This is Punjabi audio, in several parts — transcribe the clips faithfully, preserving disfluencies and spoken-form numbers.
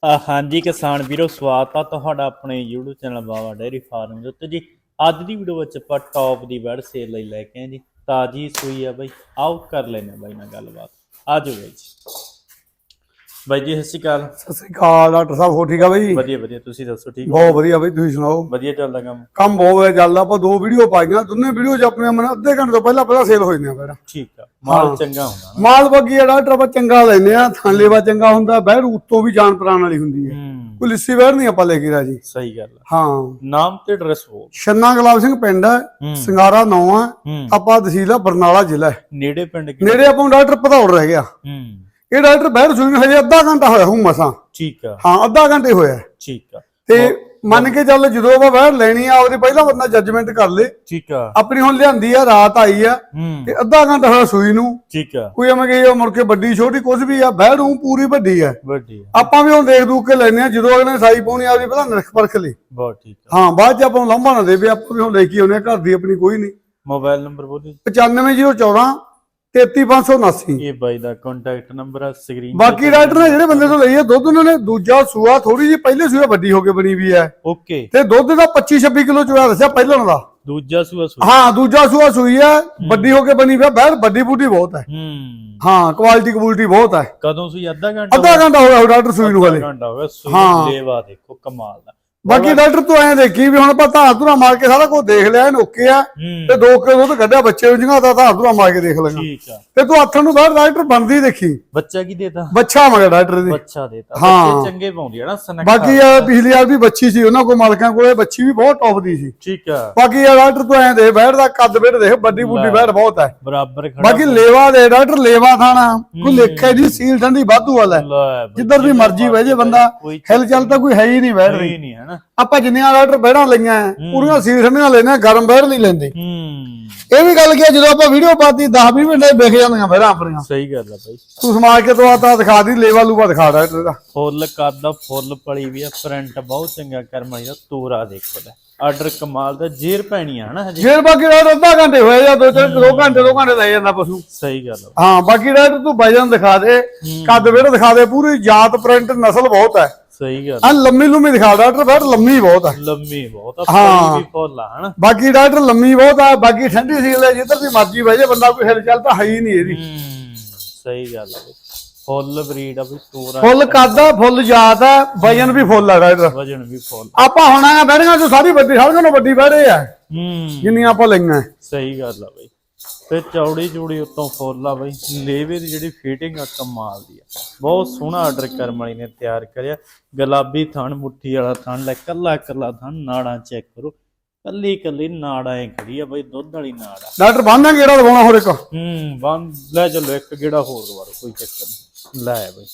हाँ जी किसान वीरो स्वागत है तुहाडा अपने YouTube channel Baba dairy farm ਦੇ ਉੱਤੇ जी ਅੱਜ ਦੀ ਵੀਡੀਓ ਵਿੱਚ ਆਪਾਂ ਟੌਪ ਦੀ ਬੈਡ ਸੇਲ ਲਈ ਲੈ ਕੇ ਆਏ ਜੀ ਤਾਜੀ ਸੂਈ ਆ ਬਾਈ ਆਓ ਕਰ ਲੈਨੇ ਬਾਈ ਨਾਲ ਗੱਲਬਾਤ ਆ ਜਾਓ ਬਾਈ ਜੀ ਬਾਈ ਜੀ ਸਤਿ ਸ਼੍ਰੀ ਅਕਾਲ ਸਤਿ ਸ਼੍ਰੀ ਅਕਾਲ ਡਾਕਟਰ ਸਾਹਿਬ ਹੋ ਠੀਕ ਆ ਬਾਈ ਵਧੀਆ ਵਧੀਆ ਤੁਸੀਂ ਦੱਸੋ ਠੀਕ ਬਹੁਤ ਵਧੀਆ ਬਾਈ ਤੁਸੀਂ ਸੁਣਾਓ ਵਧੀਆ ਚੱਲਦਾ ਕੰਮ ਕੰਮ ਬਹੁਤ ਵਧੀਆ ਚੱਲਦਾ ਆਪਾਂ ਦੋ ਵੀਡੀਓ ਪਾਈਆਂ ਦੋਨੇ ਵੀਡੀਓ 'ਚ ਆਪਣੇ ਮਨ ਅੱਧੇ ਘੰਟੇ ਤੋਂ ਪਹਿਲਾਂ ਪਹਿਲਾਂ ਸੇਲ ਹੋ ਜਾਂਦੇ ਆ ਫਿਰ ਠੀਕ ਆ ਮਾਲ ਚੰਗਾ ਹੁੰਦਾ ਮਾਲ ਬੱਗੀ ਆ ਡਾਕਟਰ ਆਪਾਂ ਚੰਗਾ ਲੈਨੇ ਆ ਥਾਂਲੇਵਾ ਚੰਗਾ ਹੁੰਦਾ ਬਹਿਰ ਉੱਤੋਂ ਵੀ ਜਾਨ ਪ੍ਰਾਣ ਵਾਲੀ ਹੁੰਦੀ ਹੈ ਕੋਈ ਲਿੱਸੀ ਬਹਿਰ ਨਹੀਂ ਆਪਾਂ ਲੈ ਕੇ ਰਾਜੀ ਸਹੀ ਗੱਲ ਹਾਂ ਨਾਮ ਤੇ ਐਡਰੈਸ ਬੋਲ ਛੰਨਾ ਗੁਲਾਬ ਸਿੰਘ ਪਿੰਡ ਹੈ ਸਿੰਗਾਰਾ ਨੌ ਆ ਆਪਾਂ ਤਹਿਸੀਲ ਆ ਬਰਨਾਲਾ ਜ਼ਿਲ੍ਹਾ ਨੇੜੇ ਪਿੰਡ ਨੇੜੇ ਆਪਾਂ ਡਾਕਟਰ ਭਦੌੜ ਰਹਿ ਗਿਆ ਇਹ ਡਾਕਟਰ ਬਹਿਰ ਸੂਈ ਨੂੰ ਹਜੇ ਅੱਧਾ ਘੰਟਾ ਹੋਇਆ ਹੂੰ ਮਸਾਂ ਠੀਕ ਆ ਹਾਂ ਅੱਧਾ ਘੰਟੇ ਹੋਇਆ ਠੀਕ ਆ ਤੇ ਮੰਨ ਕੇ ਚੱਲ ਜਦੋਂ ਆਪਾਂ ਬਹਿਰ ਲੈਣੀ ਆ ਉਹਦੇ ਪਹਿਲਾਂ ਬੰਦਾ ਜੱਜਮੈਂਟ ਕਰ ਲੇ ਠੀਕ ਆ ਆਪਣੀ ਹੁਣ ਲਿਆਂਦੀ ਆ ਰਾਤ ਆਈ ਆ ਤੇ ਅੱਧਾ ਘੰਟਾ ਹੋਇਆ ਸੂਈ ਨੂੰ ਠੀਕ ਆ ਕੋਈ ਐਵੇਂ ਕਿ ਮੁੜ ਕੇ ਵੱਡੀ ਛੋਟੀ ਕੁਝ ਵੀ ਆ ਬਹਿਰ ਨੂੰ ਪੂਰੀ ਵੱਡੀ ਆ ਵੱਡੀ ਆਪਾਂ ਵੀ ਹੁਣ ਦੇਖ ਦੂਖ ਕੇ ਲੈਨੇ ਆ ਜਦੋਂ ਅਗਲੇ ਸਾਈ ਪਾਉਣੀ ਆਪਦੀ ਪਹਿਲਾਂ ਨਿਰਖ ਪਰਖ ਲਈ ਬਹੁਤ ਠੀਕ ਆ ਹਾਂ ਬਾਅਦ ਚ ਆਪਾਂ ਨੂੰ ਲੰਬਾ ਨਾ ਦੇਵੇ ਆਪਾਂ ਵੀ ਹੁਣ ਲੈ ਕੇ ਆਉਨੇ ਘਰ ਦੀ ਆਪਣੀ ਕੋਈ ਨਹੀਂ ਮੋਬਾਈਲ ਨੰਬਰ ਬੋਲੀ ਪਚਾਨਵੇਂ ਜ਼ੀਰੋ ਚੌਦਾਂ ਤੇਤੀ ਪੰਜ ਸੌ ਉਨਾਸੀ ਇਹ ਬਾਈ ਦਾ ਕੰਟੈਕਟ ਨੰਬਰ ਆ ਸਕਰੀਨ ਬਾਕੀ ਡਾਕਟਰ ਨੇ ਜਿਹੜੇ ਬੰਦੇ ਤੋਂ ਲਈ ਆ ਦੁੱਧ ਉਹਨਾਂ ਨੇ ਦੂਜਾ ਸੂਆ ਥੋੜੀ ਜਿਹੀ ਪਹਿਲੇ ਸੂਆ ਵੱਡੀ ਹੋ ਕੇ ਬਣੀ ਵੀ ਹੈ ਓਕੇ ਤੇ ਦੁੱਧ ਦਾ ਪੱਚੀ ਛੱਬੀ ਕਿਲੋ ਚੋਇਆ ਦੱਸਿਆ ਪਹਿਲਾਂ ਦਾ ਦੂਜਾ ਸੂਆ ਸੂਆ ਹਾਂ ਦੂਜਾ ਸੂਆ ਸੂਈ ਹੈ ਵੱਡੀ ਹੋ ਕੇ ਬਣੀ ਵੀ ਬਹਿਰ ਵੱਡੀ ਬੂਟੀ ਬਹੁਤ ਹੈ ਹੂੰ ਹਾਂ ਕੁਆਲਿਟੀ ਕਬੂਲਿਟੀ ਬਹੁਤ ਹੈ ਕਦੋਂ ਸੂਈ ਅੱਧਾ ਘੰਟਾ ਅੱਧਾ ਘੰਟਾ ਹੋਇਆ ਡਾਕਟਰ ਸੂਈ ਨੂੰ ਹਲੇ ਘੰਟਾ ਹੋ ਗਿਆ ਸੂਈ ਲੇਵਾ ਦੇਖੋ ਕਮਾਲ ਦਾ ਬਾਕੀ ਡਾਕਟਰ ਤੂੰ ਐਂ ਦੇਖੀ ਵੀ ਹੁਣ ਆਪਾਂ ਧਾਰ ਧੁਰਾ ਮਾਰ ਕੇ ਸਾਰਾ ਕੁਝ ਦੇਖ ਲਿਆ ਨੋਕੇ ਆ ਤੇ ਦੋ ਕਿਲੋ ਦੁੱਧ ਕੱਢਿਆ ਬੱਚੇ ਨੂੰ ਜਿਹਾ ਧਾਰ ਧੁਰਾ ਮਾਰ ਕੇ ਦੇਖ ਲੈਣਾ ਠੀਕ ਆ ਤੇ ਤੂੰ ਆਥਣ ਨੂੰ ਬਾਹਰ ਡਾਕਟਰ ਬਣਦੀ ਦੇਖੀ ਬੱਚਾ ਕੀ ਦੇਤਾ ਬੱਚਾ ਮਗਰ ਡਾਕਟਰ ਦੀ ਬੱਚਾ ਦੇਤਾ ਬੱਚੇ ਚੰਗੇ ਪਾਉਂਦੀ ਹੈ ਨਾ ਸਨਕ ਬਾਕੀ ਆ ਪਿਛਲੀ ਵਾਰ ਵੀ ਬੱਚੀ ਸੀ ਉਹਨਾਂ ਕੋਲ ਮਾਲਕਾਂ ਕੋਲੇ ਬੱਚੀ ਵੀ ਬਹੁਤ ਟੌਪ ਦੀ ਸੀ ਠੀਕ ਆ ਬਾਕੀ ਆ ਡਾਕਟਰ ਤੂੰ ਐਂ ਦੇ ਬੈਠ ਦਾ ਕੱਦ ਬੈਠ ਦੇਖ ਵੱਡੀ ਬੁੱਢੀ ਬੈਠ ਬਹੁਤ ਹੈ ਬਰਾਬਰ ਖੜਾ ਬਾਕੀ ਲੇਵਾ ਦੇ ਡਾਕਟਰ ਲੇਵਾ ਥਾਣਾ ਕੋਈ ਲੇਖੇ ਦੀ ਸੀਲ ਠੰਡੀ ਵਾਧੂ ਵਾਲਾ ਜਿੱਧਰ ਦੀ ਮਰਜ਼ੀ ਬਹਿ ਜੇ ਬੰਦਾ ਹਿਲ ਚੱਲ ਤਾਂ ਕੋਈ ਹੈ ਹੀ ਨਹੀਂ ਬੈਠ ਰਹੀ ਨਹੀਂ ਹੈ ਨਾ ਆਪਾਂ ਜਿੰਨੀਆਂ ਡਾਕਟਰ ਬਹਿੜਾਂ ਲਈਆਂ ਪੂਰੀਆਂ ਸੀਲ ਠੰਡੀਆਂ ਲੈਣੇ ਗਰਮ ਬਹਿੜ ਨਹੀਂ ਲੈਂਦੇ ਹੂੰ ਇਹ ਵੀ ਗੱਲ ਕੀ ਜਦੋਂ ਆਪਾਂ ਵੀਡੀਓ ਪਾਤੀ ਦਸ ਵੀਹ ਮਿੰਟ ਵਿਖ ਜਾਂਦੀਆਂ ਬਹਿੜਾਂ ਆਪਣੀਆਂ ਸਹੀ ਗੱਲ ਆ ਬਾਈ ਤੂੰ ਸਮਾਜ ਕੇ ਤੋਂ ਆਤਾ ਦਿਖਾ ਦੀ ਲੇਵਾ ਲੂਵਾ ਦਿਖਾ ਡਾਕਟਰ ਦਾ ਫੁੱਲ ਕਰਦਾ ਫੁੱਲ ਪਲੀ ਵੀ ਆ ਪ੍ਰਿੰਟ ਬਹੁਤ ਚੰਗਾ ਕਰਮਾਈ ਦਾ ਤੋਰਾ ਦੇਖੋ ਲੈ ਆਰਡਰ ਕਮਾਲ ਦਾ ਜੇਰ ਪੈਣੀ ਆ ਹਨਾ ਹਜੇ ਜੇਰ ਬਾਕੀ ਡਾਕਟਰ ਅੱਧਾ ਘੰਟੇ ਹੋਏ ਜਾਂ ਦੋ ਚਾਰ ਦੋ ਘੰਟੇ ਦੋ ਘੰਟੇ ਲੈ ਜਾਂਦਾ ਪਸ਼ੂ ਸਹੀ ਗੱਲ ਹਾਂ ਬਾਕੀ ਡਾਕਟਰ ਤੂੰ ਵਜਨ ਦਿਖਾ ਦੇ ਕੱਦ ਵੇੜ ਦਿਖਾ ਦੇ ਪੂਰੀ ਜਾਤ ਪ੍ਰਿੰਟ ਨਸਲ ਬਹੁਤ ਹੈ ਸਹੀ ਗੱਲ ਆ ਲੰਮੀ ਲੰਮੀ ਦਿਖਾ ਡਾਕਟਰ ਬੈਠ ਲੰਮੀ ਬਹੁਤ ਹੈ ਲੰਮੀ ਬਹੁਤ ਆ ਪਲੀ ਵੀ ਫੁੱਲ ਆ ਹਨਾ ਬਾਕੀ ਡਾਕਟਰ ਲੰਮੀ ਬਹੁਤ ਆ ਬਾਕੀ ਠੰਡੀ ਸੀਲ ਹੈ ਜਿੱਧਰ ਦੀ ਮਰਜ਼ੀ ਬਹਿ ਜੇ ਬੰਦਾ ਕੋਈ ਹਿਲ ਚੱਲ ਤਾਂ ਹੈ ਹੀ ਨਹੀਂ ਇਹਦੀ ਸਹੀ ਗੱਲ ਆ ਫੁੱਲ ਬਰੀਡ ਆ ਵੀ ਤੋਰਾ ਫੁੱਲ ਕੱਦਾ ਫੁੱਲ ਜਾਤ ਹੈ ਵਜਨ ਵੀ ਫੁੱਲ ਆ ਡਾਕਟਰ ਵਜਨ ਵੀ ਫੁੱਲ ਆਪਾਂ ਹੁਣ ਆ ਬੈਠੀਆਂ ਜੋ ਸਾਰੀ ਵੱਡੀ ਸਾਰਿਆਂ ਨਾਲੋਂ ਵੱਡੀ ਬਹਿੜੇ ਆ ਹੂੰ ਜਿੰਨੀਆਂ ਆਪਾਂ ਲਈਆਂ ਸਹੀ ਗੱਲ ਆ ਬਈ ਤੇ ਚੌੜੀ ਚੂੜੀ ਉੱਤੋਂ ਫੁੱਲ ਆ ਬਈ ਲੇਵੇ ਦੀ ਜਿਹੜੀ ਫਿਟਿੰਗ ਆ ਕਮਾਲ ਦੀ ਆ ਬਹੁਤ ਸੋਹਣਾ ਆਰਡਰ ਕਰਮ ਵਾਲੀ ਨੇ ਤਿਆਰ ਕਰਿਆ ਗੁਲਾਬੀ ਥਣ ਮੁੱਠੀ ਵਾਲਾ ਥਣ ਲੈ ਕੱਲਾ ਕੱਲਾ ਥਣ ਨਾੜਾਂ ਚੈੱਕ ਕਰੋ ਕੱਲੀ ਕੱਲੀ ਨਾੜਾਂ ਐ ਖੜੀ ਆ ਬਈ ਦੁੱਧ ਵਾਲੀ ਨਾੜ ਆ ਡਾਕਟਰ ਬੰਨਾ ਗੇੜਾ ਲਵਾਉਣਾ ਹੋਰ ਇੱਕ ਹੂੰ ਬੰਦ ਲੈ ਚਲੋ ਇੱਕ ਗੇੜਾ ਹੋਰ ਦਵਾਰੋ ਕੋਈ ਚੱਕਰ ਨਹੀਂ ਲੈ ਬਈ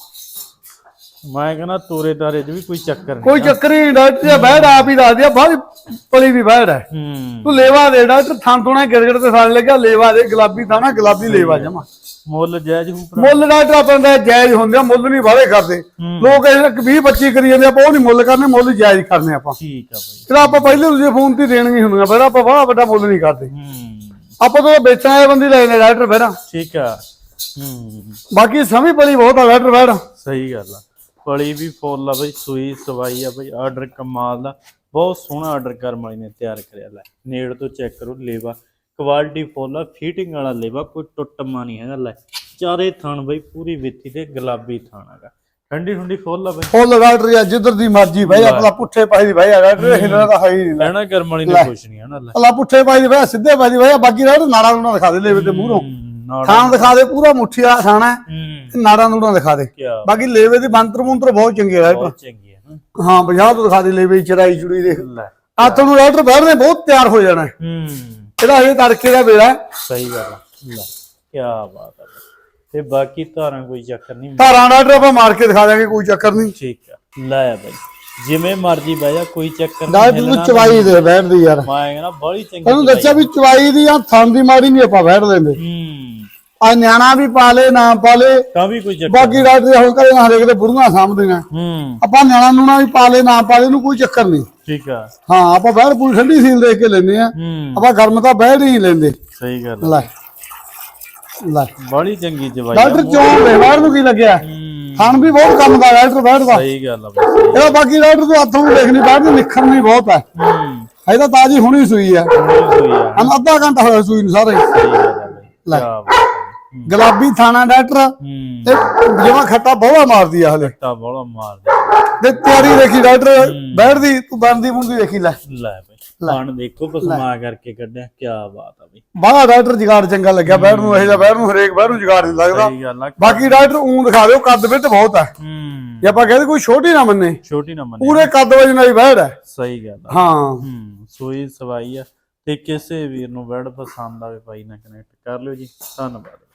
ਮੈਂ ਕਹਿੰਦਾ ਤੋਰੇ ਤਾਰੇ 'ਚ ਵੀ ਕੋਈ ਚੱਕਰ ਨਹੀਂ ਕੋਈ ਚੱਕਰ ਨਹੀਂ ਡਾਕਟਰ ਬੈਠ ਆਪ ਹੀ ਦੱਸ ਦਿਆ ਬਾਹਰ ਪਲੀ ਵੀ ਬੈਠ ਹੈ ਹੂੰ ਤੂੰ ਲੇਵਾ ਦੇ ਡਾਕਟਰ ਥਾਂ ਥੋਣਾ ਗਿਰਗੜ ਤੇ ਸਾਲ ਲੱਗਿਆ ਲੇਵਾ ਦੇ ਗੁਲਾਬੀ ਥਾਣਾ ਗੁਲਾਬੀ ਲੇਵਾ ਜਮਾ ਮੁੱਲ ਜਾਇਜ਼ ਹੂ ਮੁੱਲ ਡਾਕਟਰ ਆਪਾਂ ਦਾ ਜਾਇਜ਼ ਹੁੰਦੇ ਆ ਮੁੱਲ ਨਹੀਂ ਵਾਲੇ ਕਰਦੇ ਲੋਕ ਇਹ ਵੀਹ ਪੱਚੀ ਕਰੀ ਜਾਂਦੇ ਆਪਾਂ ਉਹ ਨਹੀਂ ਮੁੱਲ ਕਰਨੇ ਮੁੱਲ ਜਾਇਜ਼ ਕਰਨੇ ਆਪਾਂ ਠੀਕ ਆ ਬਈ ਜਿਹੜਾ ਆਪਾਂ ਪਹਿਲੇ ਦੂਜੇ ਫੋਨ ਤੇ ਦੇਣਗੇ ਹੁੰਦੀਆਂ ਫਿਰ ਆਪਾਂ ਬੜਾ ਵੱਡਾ ਮੁੱਲ ਨਹੀਂ ਕਰਦੇ ਹੂੰ ਆਪਾਂ ਤੋਂ ਵੇਚਣ ਵਾਲੇ ਬੰਦੇ ਲੈਣੇ ਡਾਕਟਰ ਫਿਰ ਠੀਕ ਆ ਹੂੰ ਬਾਕੀ ਸਮੀ ਪਲੀ ਬਹੁਤ ਆ ਡਾਕਟਰ ਫਿਰ ਸਹੀ ਗੱਲ ਆ ਪਲੀ ਵੀ ਫੁੱਲ ਆ ਬਈ ਸੂਈ ਸਵਾਈ ਆ ਬਈ ਆਰਡਰ ਕਮਾਲ ਦਾ ਬਹੁਤ ਸੋਹਣਾ ਆਰਡਰ ਕਰਮ ਵਾਲੀ ਨੇ ਤਿਆਰ ਕਰਿਆ ਲੈ ਨੇੜ ਤੋਂ ਚੈੱਕ ਕਰੋ ਲੇਵਾ ਕੁਆਲਿਟੀ ਫੁੱਲ ਆ ਫਿਟਿੰਗ ਵਾਲਾ ਲੇਵਾ ਕੋਈ ਟੁੱਟਮਾ ਨਹੀਂ ਹੈਗਾ ਲੈ ਚਾਰੇ ਥਣ ਬਈ ਪੂਰੀ ਵਿੱਥੀ ਤੇ ਗੁਲਾਬੀ ਥਣ ਹੈਗਾ ਠੰਡੀ ਠੰਡੀ ਫੁੱਲ ਆ ਬਈ ਫੁੱਲ ਡਾਕਟਰ ਆ ਜਿੱਧਰ ਦੀ ਮਰਜੀ ਭਾਈ ਆਪਣਾ ਪੁੱਠੇ ਪਾਈ ਦੀ ਭਾਈ ਡਾਕਟਰ ਇਹਨਾਂ ਦਾ ਹੈ ਹੀ ਨਹੀਂ ਲੈਣਾ ਕਰਮ ਵਾਲੀ ਨੇ ਕੁਛ ਨਹੀਂ ਹਨਾ ਲੈ ਅੱਲਾ ਪੁੱਠੇ ਪਾਈ ਦੀ ਭਾਈ ਸਿੱਧੇ ਪਾਈ ਦੀ ਭਾਈ ਬਾਕੀ ਡਾਕਟਰ ਨਾੜਾ ਨੂੜਾ ਦਿਖਾ ਦੇ ਲੇਵੇ ਤੇ ਮੂਹਰੋਂ ਥਾਂ ਦਿਖਾ ਦੇ ਪੂਰਾ ਮੁੱਠੀ ਆ ਖਾਣਾ ਨਾੜਾ ਨੂੜਾ ਦਿਖਾ ਦੇ ਬਾਕੀ ਲੇਵੇ ਦੀ ਬੰਤਰ ਮੁੰਤਰ ਬਹੁਤ ਚੰਗੀ ਹੈ ਬਹੁਤ ਚੰਗੀ ਹੈ ਹਾਂ ਪੰਜਾਹ ਤੋਂ ਦਿਖਾ ਦੇ ਲੇਵੇ ਚੜਾਈ ਚੁੜੀ ਦੇਖ ਆ ਤੁਹਾਨੂੰ ਡਾਕਟਰ ਬਾਹਰ ਨੇ ਬਹੁਤ ਤਿਆਰ ਹੋ ਜਾਣਾ ਹੂੰ ਇਹਦਾ ਹਜੇ ਤੜਕੇ ਦਾ ਵੇਲਾ ਸਹੀ ਗੱਲ ਲੈ ਕੀ ਬਾਤ ਹੈ ਤੇ ਬਾਕੀ ਧਾਰਾਂ ਕੋਈ ਚੱਕਰ ਨਹੀਂ ਧਾਰਾਂ ਡਾਕਟਰ ਆਪਾਂ ਮਾਰ ਕੇ ਦਿਖਾ ਦਾਂਗੇ ਕੋਈ ਚੱਕਰ ਨਹੀਂ ਠੀਕ ਆ ਲੈ ਬਾਈ ਜਿਵੇਂ ਮਰਜੀ ਬਹਿ ਜਾ ਕੋਈ ਚੱਕਰ ਨਹੀਂ ਡਾਕਟਰ ਨੂੰ ਚਵਾਈ ਦੇ ਬੈਠਦੀ ਯਾਰ ਮੈਂ ਕਹਿੰਦਾ ਬੜੀ ਚੰਗੀ ਤੈਨੂੰ ਦੱਸਿਆ ਵੀ ਚਵਾਈ ਦੀ ਆ ਥਾਂ ਦੀ ਮਾਰੀ ਨਹੀਂ ਆਪਾਂ ਬੈਠ ਲੈਂਦੇ ਹੂੰ ਆ ਨਿਆਣਾ ਵੀ ਪਾ ਲੇ ਨਾ ਪਾ ਲੇ ਤਾਂ ਵੀ ਕੋਈ ਚੱਕਰ ਬਾਕੀ ਡਾਕਟਰ ਹੁਣ ਕਰੇ ਨਾ ਹਰੇਕ ਦੇ ਬੁੜੀਆਂ ਸਾਂਭਦੀਆਂ ਹੂੰ ਆਪਾਂ ਨਿਆਣਾ ਨੂਣਾ ਵੀ ਪਾ ਲੇ ਨਾ ਪਾ ਲੇ ਨੂੰ ਕੋਈ ਚੱਕਰ ਨਹੀਂ ਠੀਕ ਆ ਹਾਂ ਆਪਾਂ ਬੈਠ ਪੂਰੀ ਠੰਡੀ ਸੀਲ ਦੇਖ ਕੇ ਲੈਂਦੇ ਆ ਆਪਾਂ ਗਰਮ ਤਾਂ ਬੈਠ ਹੀ ਲੈਂਦੇ ਸਹੀ ਗੱਲ ਲੈ ਲੈ ਬੜੀ ਚੰਗੀ ਜਵਾਈ ਡਾਕਟਰ ਚੋਂ ਦੇ ਬਾਹਰ ਨੂੰ ਕੀ ਲੱਗਿਆ ਥਣ ਵੀ ਬਹੁਤ ਕੰਮ ਦਾ ਡਾਕਟਰ ਬੈਠਦਾ ਸਹੀ ਗੱਲ ਆ ਬਈ ਇਹਦਾ ਬਾਕੀ ਡਾਕਟਰ ਤੋਂ ਹੱਥੋਂ ਨੂੰ ਦੇਖਣੀ ਬੈਠਦੀ ਨਿਖਰਨੀ ਬਹੁਤ ਹੈ ਹੂੰ ਇਹਦਾ ਤਾਜੀ ਹੁਣੀ ਸੂਈ ਹੈ ਸੂਈ ਆ ਹਨ ਅੱਧਾ ਘੰਟਾ ਹੋਇਆ ਸੂਈ ਨੂੰ ਸਾਰੇ ਸਹੀ ਗੱਲ ਆ ਬਈ ਲੈ। ਕੀ ਬਾਤ ਆ। ਗੁਲਾਬੀ ਥਾਣਾ ਡਾਕਟਰ ਹੂੰ ਤੇ ਜਿਵੇਂ ਖੱਟਾ ਬਹੁਤਾ ਮਾਰਦੀ ਆ ਹਲੇ ਟਾ ਬੋਲਾ ਮਾਰਦੇ ਤੇ ਤਿਆਰੀ ਦੇਖੀ ਡਾਕਟਰ ਬੈਠਦੀ ਤੂੰ ਬਣਦੀ ਮੁੰਦੀ ਦੇਖੀ ਲੈ ਲੈ ਬਈ ਖਾਣ ਦੇਖੋ ਪਸਮਾ ਕਰਕੇ ਕੱਢਿਆ ਕੀ ਬਾਤ ਆ ਬਈ ਬਾਹਲਾ ਡਾਕਟਰ ਜਗਾੜ ਚੰਗਾ ਲੱਗਿਆ ਬੈਠ ਨੂੰ ਇਹ ਜਿਹਾ ਬੈਠ ਨੂੰ ਹਰੇਕ ਬੈਠ ਨੂੰ ਜਗਾੜ ਨਹੀਂ ਲੱਗਦਾ ਸਹੀ ਗੱਲ ਆ ਬਾਕੀ ਡਾਕਟਰ ਊਂ ਦਿਖਾ ਦਿਓ ਕੱਦ ਵਿੱਚ ਬਹੁਤ ਹੈ ਹੂੰ ਜੇ ਆਪਾਂ ਕਹਿੰਦੇ ਕੋਈ ਛੋਟੀ ਨਾ ਮੰਨੇ ਛੋਟੀ ਨਾ ਮੰਨੇ ਪੂਰੇ ਕੱਦ ਵਜਨ ਵਾਲੀ ਬੈੜ ਹੈ ਸਹੀ ਗੱਲ ਆ ਹਾਂ ਹੂੰ ਸੂਈ ਸਵਾਈ ਆ ਤੇ ਕਿਸੇ ਵੀਰ ਨੂੰ ਬੈਡ ਪਸੰਦ ਆਵੇ ਭਾਈ ਨਾਲ ਕਨੈਕਟ ਕਰ ਲਿਓ ਜੀ ਧੰਨਵਾਦ।